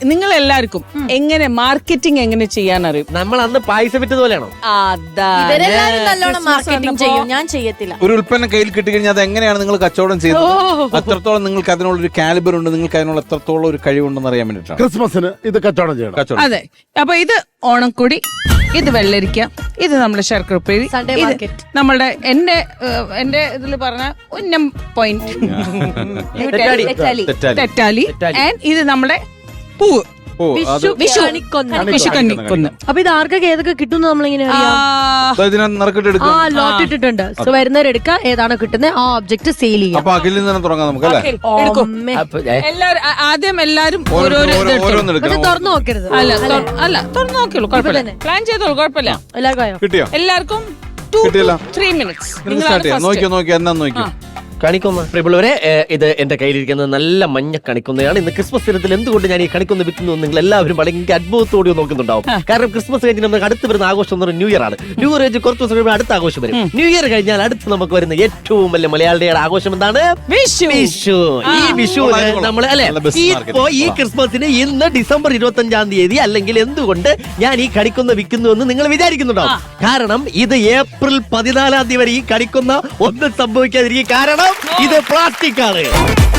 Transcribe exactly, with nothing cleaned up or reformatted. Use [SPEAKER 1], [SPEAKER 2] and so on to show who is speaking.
[SPEAKER 1] നിങ്ങൾ എല്ലാവർക്കും എങ്ങനെ മാർക്കറ്റിംഗ് എങ്ങനെ ചെയ്യാൻ അറിയും?
[SPEAKER 2] നമ്മൾ അന്ന് പായസം വിറ്റത് പോലെയാണോ?
[SPEAKER 3] ഇവരെല്ലാരും നല്ലോണം മാർക്കറ്റിംഗ് ചെയ്യും, ഞാൻ ചെയ്യത്തില്ല.
[SPEAKER 4] ഒരു ഉൽപ്പന്നം കയ്യിൽ കിട്ടിക്കഴിഞ്ഞാൽ അത് എങ്ങനെയാണ് നിങ്ങൾ കച്ചവടം ചെയ്യുന്നത്, എത്രത്തോളം നിങ്ങൾക്ക് അതിനുള്ള ഒരു കാലിബർ ഉണ്ട്, നിങ്ങൾക്ക് അതിനുള്ള എത്രത്തോളം ഒരു കഴിവുണ്ടെന്ന് അറിയാൻ വേണ്ടിയിട്ടാണ്
[SPEAKER 5] ക്രിസ്മസിന് ഇത് കച്ചവടം ചെയ്യണം.
[SPEAKER 4] കച്ചവടം.
[SPEAKER 1] അതെ. അപ്പൊ ഇത് ഓണക്കൊടി, ഇത് വെള്ളരിക്ക, ഇത് നമ്മുടെ ശർക്കര ഉപ്പേരി,
[SPEAKER 3] Sunday
[SPEAKER 1] ഇത്
[SPEAKER 3] market.
[SPEAKER 1] നമ്മളുടെ എന്റെ ഏഹ്, എന്റെ ഇതിൽ പറഞ്ഞ ഉന്നം പോയിന്റ്
[SPEAKER 2] തെറ്റാലി.
[SPEAKER 3] തെറ്റാലി.
[SPEAKER 4] തെറ്റാലി.
[SPEAKER 1] തെറ്റാലി, ആൻഡ് ഇത് നമ്മുടെ പൂവ്
[SPEAKER 4] ഓ അത്
[SPEAKER 3] വിഷു കണിക്കൊന്ന.
[SPEAKER 1] വിഷുക്കന്നിക്കൊന്ന്.
[SPEAKER 3] അപ്പൊ ഇത് ആർക്കൊക്കെ ഏതൊക്കെ കിട്ടും നമ്മളിങ്ങനെ അറിയാം?
[SPEAKER 4] അപ്പൊ ഇതിനകത്ത് നറുക്കിട്ട്
[SPEAKER 3] ആ
[SPEAKER 4] എടുക്കും.
[SPEAKER 3] ലോട്ട് ഇട്ടിട്ടുണ്ട്. സോ വരുന്നവരെടുക്കുക, ഏതാണോ കിട്ടുന്നത് ആ ഒബ്ജക്ട് സെയിൽ ചെയ്യാം.
[SPEAKER 4] അപ്പൊ അഖിലിൽ നിന്ന് തുടങ്ങാം നമുക്ക് അല്ലേ?
[SPEAKER 1] എടുക്കും.
[SPEAKER 3] അമ്മേ.
[SPEAKER 2] അപ്പൊ, ഏ,
[SPEAKER 1] എല്ലാരും ആ- ആദ്യം എല്ലാരും
[SPEAKER 4] ഓരോ-
[SPEAKER 1] ഓരോരോ ഇത്
[SPEAKER 4] ഓരോ-
[SPEAKER 1] എടുത്തോളൂ.
[SPEAKER 4] ഓരോന്ന്
[SPEAKER 3] പക്ഷെ
[SPEAKER 4] എടുക്കാം.
[SPEAKER 3] തുറന്നു നോക്കരുത്.
[SPEAKER 1] അല്ല തൊ- അല്ല തുറന്നു നോക്കിയുള്ളൂ, കുഴപ്പമില്ല.
[SPEAKER 3] തന്നെ.
[SPEAKER 1] പ്ലാൻ ചെയ്തോളൂ, കുഴപ്പമില്ല.
[SPEAKER 3] എല്ലാവർക്കും ആയോ?
[SPEAKER 4] കിട്ടിയോ?
[SPEAKER 1] എല്ലാവർക്കും ടു
[SPEAKER 4] കിട്ടിയില്ല.
[SPEAKER 1] Three minutes.
[SPEAKER 4] നിങ്ങൾ സ്റ്റാർട്ട് ചെയ്യാം. നോക്കിയോ നോക്കിയോ എന്നാ നോക്കിയോ.
[SPEAKER 2] കണിക്കൊന്ന പ്രിയമുള്ളവരെ, ഏ, ഇത് എന്റെ കയ്യിലിരിക്കുന്നത് നല്ല മഞ്ഞ കണിക്കൊന്നയാണ്. ഇന്ന് ക്രിസ്മസ് ദിനത്തിൽ എന്തുകൊണ്ട് ഞാൻ ഈ കണിക്കൊന്ന വിൽക്കുന്നു നിങ്ങൾ എല്ലാവരും ഭയങ്കര അത്ഭുതത്തോടെ നോക്കുന്നുണ്ടാവും. കാരണം ക്രിസ്മസ് കഴിഞ്ഞ് നമുക്ക് അടുത്ത് വരുന്ന ആഘോഷം എന്ന് പറയുന്നത് ന്യൂ ഇയർ ആണ്. ന്യൂ ഇയർ കഴിഞ്ഞ് കുറച്ച് ദിവസം കഴിയുമ്പോൾ അടുത്ത ആഘോഷം വരും. ന്യൂ ഇയർ കഴിഞ്ഞാൽ അടുത്ത് നമുക്ക് വരുന്ന ഏറ്റവും വലിയ മലയാളിയുടെ ആഘോഷം എന്താണ്?
[SPEAKER 1] വിഷു.
[SPEAKER 2] വിഷു. ഈ വിഷു നമ്മൾ അല്ലെ
[SPEAKER 4] നല്ല best market.
[SPEAKER 2] ഇപ്പോ ഈ ക്രിസ്മസിന് ഇന്ന് ഡിസംബർ ഇരുപത്തി അഞ്ചാം തീയതി അല്ലെങ്കിൽ എന്തുകൊണ്ട് ഞാൻ ഈ കണിക്കൊന്ന വിൽക്കുന്നു എന്ന് നിങ്ങൾ വിചാരിക്കുന്നുണ്ടാവും. കാരണം ഇത് ഏപ്രിൽ പതിനാലാം തീയതി വരെ ഈ കണിക്കൊന്ന ഒന്നും സംഭവിക്കാതിരിക്കും. കാരണം ഇത് പ്ലാസ്റ്റിക് ആണ്.